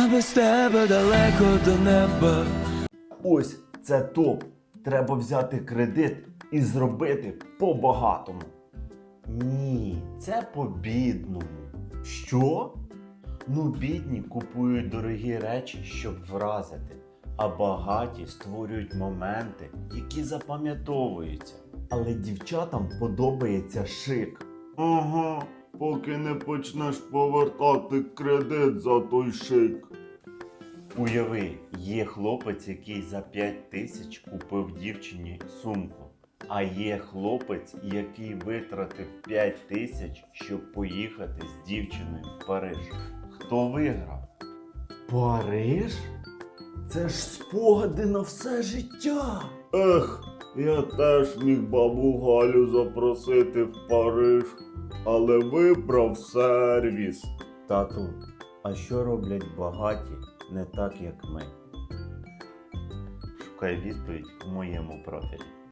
Я без тебе далеко до неба. Ось це топ. Треба взяти кредит і зробити по-багатому. Ні, це по-бідному. Що? Ну, бідні купують дорогі речі, щоб вразити, а багаті створюють моменти, які запам'ятовуються. Але дівчатам подобається шик. Ага, поки не почнеш повертати кредит за той шик. Уяви, є хлопець, який за 5 тисяч купив дівчині сумку. А є хлопець, який витратив 5 тисяч, щоб поїхати з дівчиною в Париж. Хто виграв? Париж? Це ж спогади на все життя. Ех, я теж міг бабу Галю запросити в Париж, але вибрав сервіс. Тату, а що роблять багаті не так, як ми? Шукай відповідь у моєму профілі.